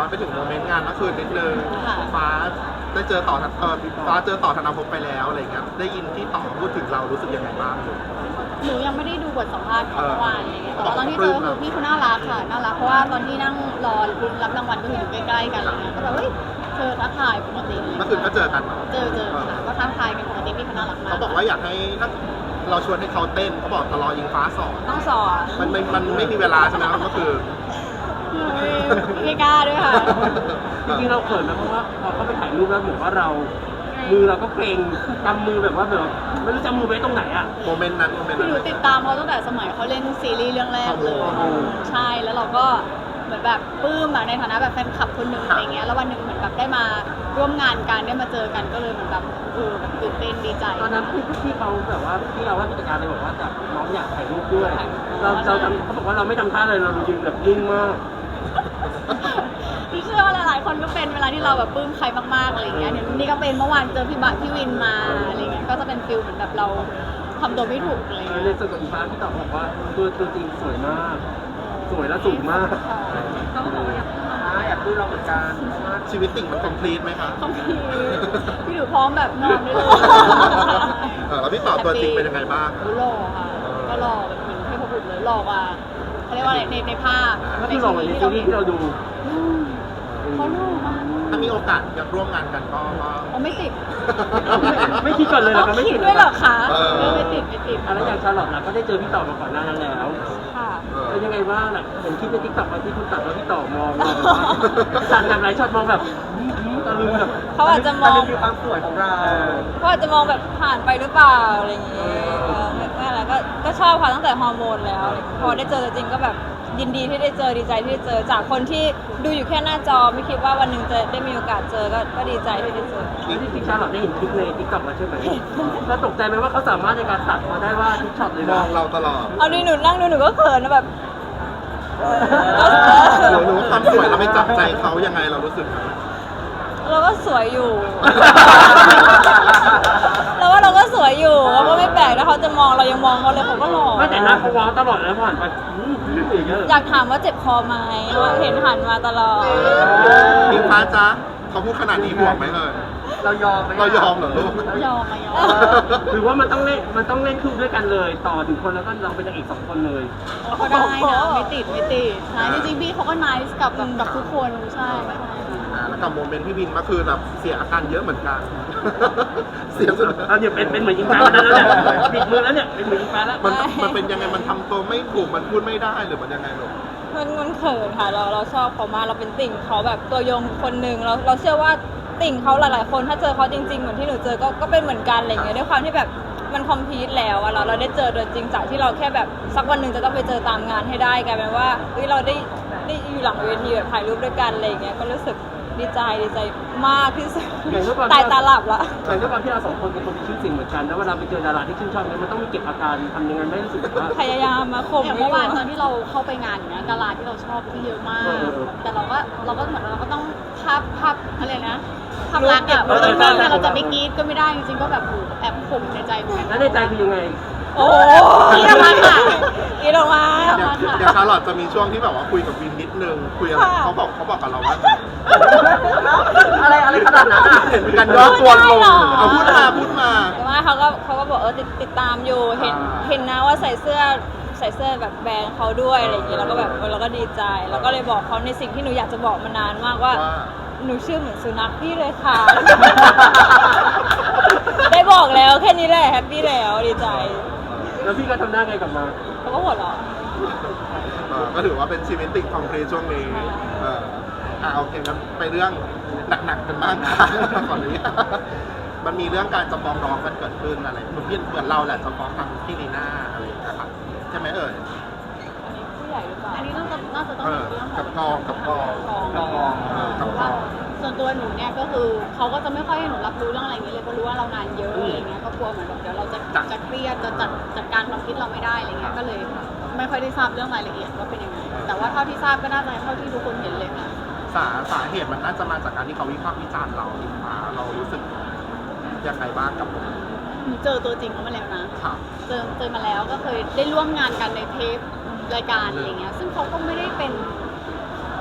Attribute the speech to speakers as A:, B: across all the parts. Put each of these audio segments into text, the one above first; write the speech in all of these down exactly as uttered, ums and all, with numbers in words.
A: อนไปถึงโมเมนต์งานเมื่อคืนนิดนึงฟ้าได้เจอต่อเออฟ้าเจอต่อธนภพไปแล้วอะไรเงี้ยได้ยินที่ต่อพูดถึงเรารู้สึกยังไงบ้าง
B: หนูยังไม่ได้ดูบทสัมภาษณ์ของเมื่อวานอะไรเงี้ยแต่ว่าตอนที่เจอคือพี่เขาน่ารักค่ะน่ารักเพราะว่าตอนที่นั่งรอรับรางวัลก็อยู่ใกล้ๆกันอะไรเงี้ยก็แบบเฮ้ยเจอทักทายปกติเลย
A: เมื่อคืนก็เจอกัน
B: เจอเจอค่ะก็ทักทายกันปกติพี่เขาน่ารักมาก
A: เขาบอกว่าอยากให้ถ้าเราชวนให้เขาเต้นเขาบอกตลอยิงฟ้าสอน
B: ต้องสอน
A: มันไม่มันไม่มีเวลาใช่ไหมครับก็คือ
B: ไม่กล้าด้วยค่ะ
C: จริงๆเราเขินนะเพราะว่าพอเขาไปถ่ายรูปแล้วเหมือนว่าเรา มือเราก็เกรงกำมือแบบว่าแบบไม่รู้จะมือไว้ตรงไหนอ่ะ
A: โมเมนต์นั้นโมเมนต์
B: คือ
A: นั้น
B: หนูติดตามเขาตั้งแต่สมัยเขาเล่นซีรีส์เรื่องแรกเลยใช่แล้วเราก็เหมือนแบบปลื้มอะในฐานะแบบแฟนคลับคนหนึ่งอะไรเงี้ยแล้ววันหนึ่งเหมือนแบบได้มาร่วมงานกันได้มาเจอกันก็เลยเหมือนแบบเออแบบตื่นเต้นดีใจ
C: ตอนนั้นพี่พี่เขาแบบว่าพี่เราว่าผู้จัดการเลยบอกว่าจะน้องอยากถ่ายรูปด้วยเราเราทำเขาบอกว่าเราไม่ทำท่าเลยเรายืนแบบนิ่งมาก
B: พี่เชื่อว่าหลายๆคนก็เป็นเวลาที่เราแบบปลื้มใครมากๆอะไรเงี้ยเนี่ยนี่ก็เป็นเมื่อวานเจอพี่บะพี่วินมาอะไรเงี้ยก็จะเป็นฟิลเหมือนแบบเราทำตัวไม่ถูกอะไร
C: ใน
B: เงี้ย
C: ส่วนของอีฟ้าพี่ตอบบอกว่าตัวตัวจริงสวยมาก สวยและสูงมาก
B: เขาก็บอกว่าอยาก
C: อยากดูเราเหมือนกัน
A: ชีวิตติ่งมันคอมพลีทไหมคะ
B: คอมพีพี่หนูพร้อมแบบนอนได้เลย
A: เออแล้วพี่ต่อตัวจริงเป็นยังไงบ้าง
B: หล่อค่ะก็หล่อแบบเหมือนเทพบุตรเลยหล่อกว่าเขาเรียกว่าอะไรในในภาพ
C: ก็คือหล่อเหมือนในซีรีส์ที่เราดู
B: อืมเขาหล่อมาก
A: ถ้ามีโอกาสอยากร่วมงานกันก็ก็
B: เขาไม่ติด
C: ไม่คิดก่อนเลยเหรอ
B: ต้
C: คะ
B: อง
C: ไม่
B: คิ
C: คิ
B: ด
C: ด
B: ด้วยเหรอคะ
A: เออ
B: เออไม่ติดไม่ติด
C: อะไรอย่างชาลอตนะก็ได้เจอพี่ต่อมาก่อนหน้านั้นแล้ว
B: ค่ะ
C: เป็นยังไงบ้างน่ะเห็นคลิปในทิกตอกที่คุณตัดแล้วพี่ต่อมองแบบว่าสั่นแบบไรช็อตมองแบบตะลึงแบบ
D: เขาอาจจะมอง
C: คือความสวยของเรา
D: เขาอาจจะมองแบบผ่านไปหรือเปล่าอะไรอย่างเงี้ยเออไม่ไม่อะไรก็ก็ชอบค่ะตั้งแต่ฮอร์โมนแล้วอะไรอย่างเงี้ยพอได้เจอจริงก็แบบยินดีที่ได้เจอดีใจที่ได้เจอจากคนที่ดูอยู่แค่หน้าจอไม่คิดว่าวันหนึ่งจะได้มีโอกาสเจอก็ก็ดีใจที่ได้เจอ
C: แล้วที่จริงชาลอตได้เห็นคลิปในทิกตอกแล้วใช่ไหมแล้วตกใจไหมว่าเขาสามารถในการตัดมาได้ว่าทุกช็อตเลย
A: ม
C: นะ
A: องเราตลอด
D: เอาดิหนูนั่งดูหนูก็เขินนะแบบเออก็
A: หนูหนูความสวยเราไม่จับใจเขายังไงเรารู้สึก
D: เราก็สวยอยู่ เราว่าเราก็สวยอยู่เราก็ไม่แปลกถ้าเขาจะมองเรายังมองเขาเลยเขาก็หล่อ
C: ไม่แต่หน้าเขาว้าวตลอดแล้วผ่านไปอืมอย่างเงี้ย
D: อยากถามว่าเจ็บคอไหมเห็นหันมาตลอด
A: พิงฟ้าจ๊ะเขาพูดขนาดนี้ห่วงไหมเอ่ย
C: เรายอมไหม
A: เรายอมเหรอลูก
B: ยอมมายอม
C: หรือว่ามันต้องเล่นมันต้องเล่นคู่ด้วยกันเลย ต่อถึงคนแล้วก็เราเป็นนางเอกสองคนเลย
B: ก็ได้นะไม่ติดไม่ติดใช่จริงๆพี่เขาก็นายกับแบบกับทุกคนใช่ใช่
A: อ่าแล้วกับโมเมนต์พี่วินเมื่อคืนแบบเสียอาการเยอะเหมือนกัน เสียสุด
C: เราเนี่ยเป็นเป็นเหมือนยิงแฟนแล้วเนี่ยปิดมือแล้วเนี่ยเป็นเหมือนยิงแฟนแล้ว
A: มันมันเป็นยังไงมันทำตัวไม่ถูกมันพูดไม่ได้หรือมันยังไงลูก
D: มันมันเขินค่ะเราเราชอบเขามากเราเป็นติ่งเขาแบบตัวยงคนหนึ่งเราเราเชื่อว่าติ่งเขาหลาย ๆ คนถ้าเจอเขาจริง ๆ เหมือนที่หนูเจอก็ก็เป็นเหมือนกันอะไรเงี้ยด้วยความที่แบบมันคอมพลีทแล้วอะเราเราได้เจอตัวจริงจากที่เราแค่แบบสักวันหนึ่งจะต้องไปเจอตามงานให้ได้กลายเป็นว่าเฮ้ยเราได้ได้อยู่หลังเวทีแบบถ่ายรูปด้วยกันอะไรเงี้ยก็รู้สึกดีใจดีใจมากที่สุดตายตาหลับละ
C: แต่ด้วยความที่เราสองคนเป็นคนมีชื่อเสียงเหมือนกันแล้วเวลาไปเจอดาราที่ชื่นชอบเนี่ยมันต้องมีเก็บอาการทำยังไงไม่ให้รู้สึกว่า
D: พยายามมาข่ม
B: อย่าง
D: ไม่
B: เมื่อ
D: อยู่
B: วานตอนที่เราเข้าไปงานอย่างเงี้ยดาราที่เราชอบที่เยอะมาก แต่เราก็เราก็เหมือนเราก็ต้องภาพภาพอะไรนะภาพลักษณ์อะเราต้องนิ่งอะเราจะไม่กรี๊ดก็ไม่ได้จริงๆก็แบบแอบข่มในใจเหมือนกัน
C: แล้วในใจคือยังไง
D: โอ้
B: กรี๊ดออกมาค่ะ
D: กรีดออกมา
A: เดี๋ยวเดี๋ยวชาร์ลอตจะมีช่วงที่แบบว่าคุยกับวินนิดนึงคุยอะไรเขาบอกเขาบอกกับเราว่า
C: อะไรอะไรขนาดนั้นอ่ะ
A: เห็นกันย่อตัวลงเอาพูดมาพูดมา
D: แต่ว่าเขาก็เขาก็บอกเออติดติดตามอยู่เห็น
A: อ่า
D: เห็นนะว่าใส่เสื้อใส่เสื้อแบบแบรนด์เขาด้วยอะไรอย่างงี้เราก็แบบเออเราก็ดีใจแล้วก็เลยบอกเขาในสิ่งที่หนูอยากจะบอกมานานมากว่า
A: ว่า
D: หนูชื่อเหมือนสุนัขพี่เลยค่ะ ได้บอกแล้วแค่นี้แหละแฮปปี้แล้วดีใจ
C: แล้วพี่ก็ทำหน้าไงกลับมา
D: เขาก็หัวเราะ
A: เออก็ถือว่าเป็นชีวิตติดคอมพลีทช่วงนี้เอออ่าโอเคงั้นไปเรื่องหนักๆกันบ้างค่ะก่อนนี้มันมีเรื่องการจะฟ้องร้องกันเกิดขึ้นอะไรเหมือนเหมือนเราแหละจะฟ้องทางพี่ลีน่าอะไรอย่างเงี้ยครับใช่ไหมเอ่ย
D: อันนี้ผู้ใหญ่หรือเปล่า
B: อันนี้น่าจะน่าจะต้อง
A: เอ
B: เป็น
A: อ
B: เรื่องข
A: กั
B: อบ ง
A: กองกับกอง
B: กอง
A: กับกองเออกับก
B: ว่า
A: อง
B: ส่วนตัวหนูเนี่ยก็คือเขาก็จะไม่ค่อยให้หนูรับรู้เรื่องอะไรอย่างเงี้ยเลยเพราะรู้ว่าเรางานเยอะอะไรเงี้ยก็กลัวเหมือนแบบเดี๋ยวเราจะจะเครียดจะจัดจัดการความคิดเราไม่ได้อะไรเงี้ยก็เลยไม่ค่อยได้ทราบเรื่องรายละเอียดว่าเป็นยังไงแต่ว่าเท่าที่ทราบก็น่าจะเท่าที่ทุกคนเห็นเลยค่ะ
A: สาสาเหตุมันน่าจะมาจากการที่เขาวิพากษ์วิจารณ์เราหรือเปล่าเรารู้สึกยังไงบ้างกับผม
B: หนูเจอตัวจริงเขามาแล้วนะ
A: ค่ะ
B: เจอเจอมาแล้วก็เคยได้ร่วมงานกันในเทปรายการอะไรเงี้ยซึ่งเขาก็ไม่ได้เป็น ค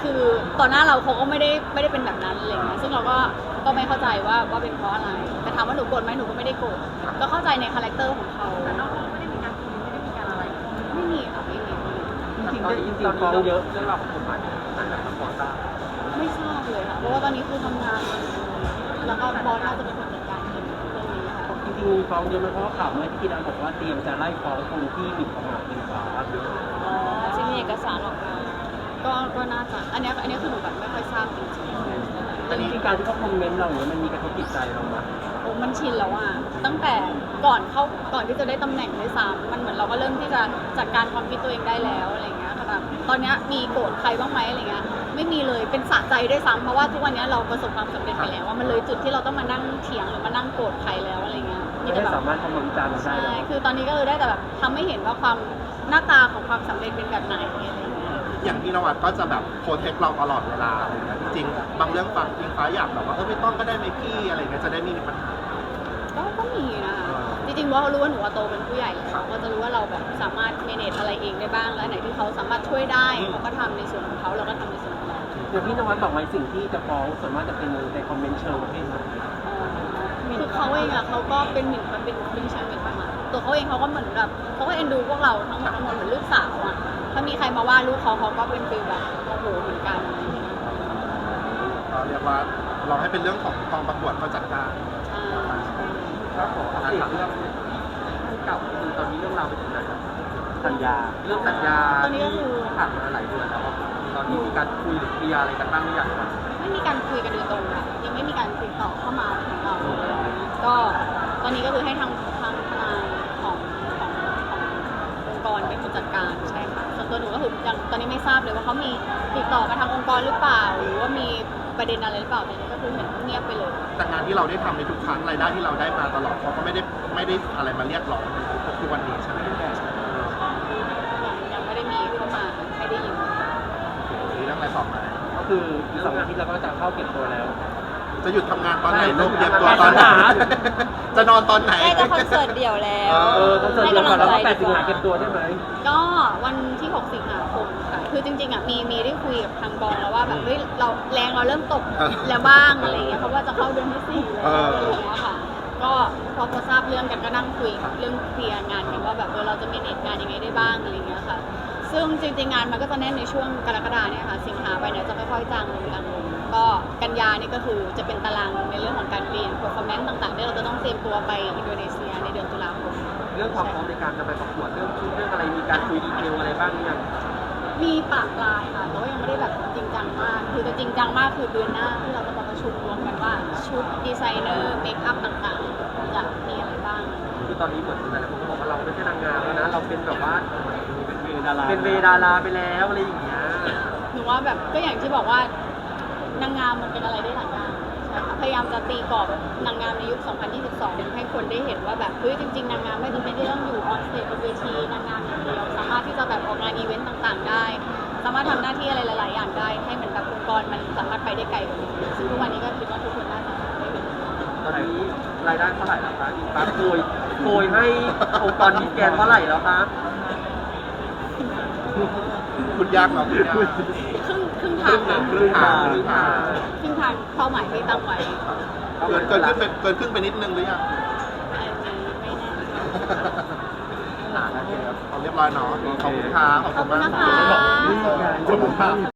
B: คือต่อหน้าเราเขาก็ไม่ได้ไม่ได้เป็นแบบนั้นอะไรเงี้ยซึ่งเราก็ก็ไม่เข้าใจว่าว่าเป็นเพราะอะไรแต่ถามว่าหนูโกรธไหมหนูก็ไม่ได้โกรธก็เข้าใจในคาแรคเตอร์ของเขาแต่นอกไม่ได้มีการคุยไม่ได้มีการอะไรไม่มีค่ะไม่มี
C: จริงๆได้จริงๆฟ้องเยอะเรื่องราวของกฎหมายอาจจะพอทราบ
B: ไม่ทราบเลยค่ะเพราะว่าตอนนี้คือทำงานแล้วก็บอสน่าจะเป็นคนจัดการเรื่องนี้ค่ะ
C: จริงๆฟ้องเยอะไหมเพราะว่าข่าวเมื่อที่พี่ดังบอกว่าเตรียมจะไล่ฟ้องคนที่หมิ่นประมาทเป็นฟ้า
D: อ๋อที่มีเอกสารออกมา
B: ก็ก็น่าจะอันเนี้ยอันเนี้ยคือหนูแบบไม่ค่อยทราบจริง
C: แต่จริงๆการที่เขาคอมเมนต์เราเนี่ยมันมีกระทบจิตใจเราไหม
B: ๆโอ้มันชินแล้วอ่ะตั้งแต่ก่อนเข้าก่อนที่จะได้ตำแหน่งด้วยซ้ำมันเหมือนเราก็เริ่มที่จะจัดการความคิดตัวเองได้แล้วอะไรเงี้ยค่ะแบบตอนเนี้ยมีโกรธใครบ้างไหมอะไรเงี้ยไม่มีเลยเป็นสะใจด้วยซ้ำเพราะว่าทุกวันเนี้ยเราประสบความสำเร็จไปแล้วว่ามันเลยจุดที่เราต้องมานั่งเถียงหรือมานั่งโกรธใครแล้วอะไรเงี้ย
C: ไม่
B: แต่
C: ได้
B: แบบ
C: สามารถคอมเมนต์จานเราได้
B: ใช่
C: แล้ว
B: คือตอนนี้ก็คือได้แต่แบบทำให้เห็นว่าความหน้าตาของความสำเร็จเป็นแบบไหนอะไรอย่างเงี้ย
A: อย่างพี่นวัดก็จะแบบโปรเทคเราตลอดเวลาอะไรเงี้ยจริงๆบางเรื่องฟังจริงฟ้าอยากแบบว่าเออไม่ต้องก็ได้ไหมพี่อะไรเงี้ยจะได้ไม่มีปัญหา
B: ก็ก็มีนะคะ
A: อ่า
B: จริงๆว่าเขารู้ว่าหนูว่าโตเป็นผู้ใหญ่แล้วก็จะรู้ว่าเราแบบสามารถเมเนจอะไรเองได้บ้าง แล้วอันไหนที่เขาสามารถช่วยได้เขาก็ทำในส่วนของเขาเราก็ทำในส่วนของเรา
C: อย่างพี่นวัดบอกไว้สิ่งที่จะฟ้องส่วนมากจะเป็นในคอมเมนต์เชิงประเภทไหน
B: คือเขาเองอะเขาก็เป็นหมิ่นเป็นเป็นเชิงหมิ่นประมาทตัวเขาเองเขาก็เหมือนแบบเขาก็เอ็นดูพวกเราทั้งหมดทั้งหมดเหมือนลูกสาวอะถ้ามีใครมาว่าลูกเขาเขาก็เป็นฟีลแบบโอ้โหเหมือนกันอะไรอย่างเงี้ย
A: ก็เรียกว่าเราให้เป็นเรื่องของกองประกวดเขาจัดการ
B: ใช่
E: ครับขออัปเดตเรื่องเก่าคือตอนนี้เรื่องราวไปถึงไหนครับ
C: สัญญา
E: เรื่องสัญญา
B: ตอนนี้ก็คือ
E: ผ่านมาหลายเดือนแล้วครับตอนนี้มีการคุยหรือเคลียร์อะไรกันบ้างหรือยังครับ
B: ไม่มีการคุยกันโดยตรงค่ะยังไม่มีการติดต่อเข้ามาถึงเราก็ตอนนี้ก็คือให้ทางทางทนายของของขององค์กรเป็นคนจัดการใช่ค่ะส่วนตัวหนูก็คือยังตอนนี้ไม่ทราบเลยว่าเขามีติดต่อมาทางองค์กรหรือเปล่า หรือว่ามีประเด็นอะไรหรือเปล่าแต่นี้ก็คือเห็นเงียบไปเลย
A: แต่งานที่เราได้ทำในทุกครั้งรายได้ที่เราได้มาตลอดเขาก็ไม่ได้ไม่ได้อะไรมาเรียกร้องทุกวันนี้ใช่ไหม
B: ยังไม่ได้มีเข้ามาให้ได้ยิน
A: มีเรื่องอะไรต่อมา
C: ก็คืออีกสองอาทิตย์เราก็จะเข้าเก็บตัวแล้ว
A: จะหยุดทำงานตอนไหน
C: ใช่
A: ลูกเตรียมตัวตอนไหน
C: ทำงาน
A: จะนอนตอนไหน
D: ใกล้จะคอนเสิร์ตเดี่ยวแล้ว
C: เออคอนเสิร์ตเดียวก่อนแล้วก็แปดสิงหาเก็บตัวใช่ไหม
B: ก็วันที่หกสิงหาคมค่ะคือจริงๆอ่ะมีมีได้คุยกับทางกองแล้วว่าแบบเฮ้ยเราแรงเราเริ่มตกแล้วบ้างอะไรเงี้ยเพราะว่าจะเข้าเดือนที่สี่แล้วอะไรอย่างเงี้ยค่ะก็พอพอทราบเรื่องกันก็นั่งคุยเรื่องเคลียร์งานกันว่าแบบเออเราจะมีเน็ตงานยังไงได้บ้างอะไรเงี้ยค่ะซึ่งจริงๆงานมันก็จะแน่นในช่วงกรกฎาเนี่ยค่ะสิงหาไปเนี่ยจะค่อยๆจางลงจางลงก็กันยานี่ก็คือจะเป็นตารางในเรื่องของการเรียน performance ต่างๆที่เราจะต้องเตรียมตัวไปอินโดนีเซียในเดือนตุลาคม
E: เรื่องความพร้อมในการจะไปประกวดเรื่องชุดเรื่องอะไรมีการคุยดีเทลอะไรบ้างหรือยัง
B: มีปากปลายค่ะแต่ว่ายังไม่ได้แบบจริงจังมาก คือจะจริงจังมากคือเดือนหน้าที่เราจะมาประชุมรวมกันว่าชุดดีไซเนอร์เมคอัพต่างๆจะมีอะไรบ้าง
E: คือตอนนี้เหมือนหลายๆคนก็บอกว่าเราไม่ใช่นางงามแล้วนะเราเป็นแบบว่า
C: เป็นเวดารา
E: เป็นเวดาราไปแล้วอะไรอย่างเงี้ย
B: หนูว่าแบบก็อย่างที่บอกว่านางงามมันเป็นอะไรได้หลายอย่างใช่ค่ะพยายามจะตีกรอบนางงามในยุค สองพันยี่สิบสอง ให้คนได้เห็นว่าแบบเฮ้ยจริงๆนางงามไม่จำเป็นที่ต้องอยู่ออนสเตจบนเวทีนางงามอย่างเดียวสามารถที่จะแบบออกงานอีเวนต์ต่างๆ ได้ สามารถทำหน้าที่อะไรหลาย ๆ อย่างได้ ให้เหมือนแบบองค์กรมันสามารถไปได้ไกลกว่านี้ซึ่งทุกวันนี้ก็คิดว่าทุกคนน่าจะได้เห็น
E: ตอนนี้รายได้เท่าไหร่แล้วคะอีกปั๊บโกยโกยให้องค์กรมิสแกรนด์เท่าไหร่แล้วคะ
A: คุณยากเหรอคุณยาก
B: ครึ่งครึ่งทางนะ
A: ครึ่งทางครึ่งทาง
B: ครึ่งทางเป้าหมายที่ตั้งไว้
A: เกินเกินขึ้นไปเกินครึ่งไปนิดนึงหรือยัง
B: อันนี้ไม่แน่
A: อ่าโอเคครับเอาเรียบร้อยเนาะขอบคุณครับขอบ
B: ขอบ
A: คุ
B: คุณ
A: ณ
B: นะ
A: มาก
B: คะ
A: ขอบคุณครับ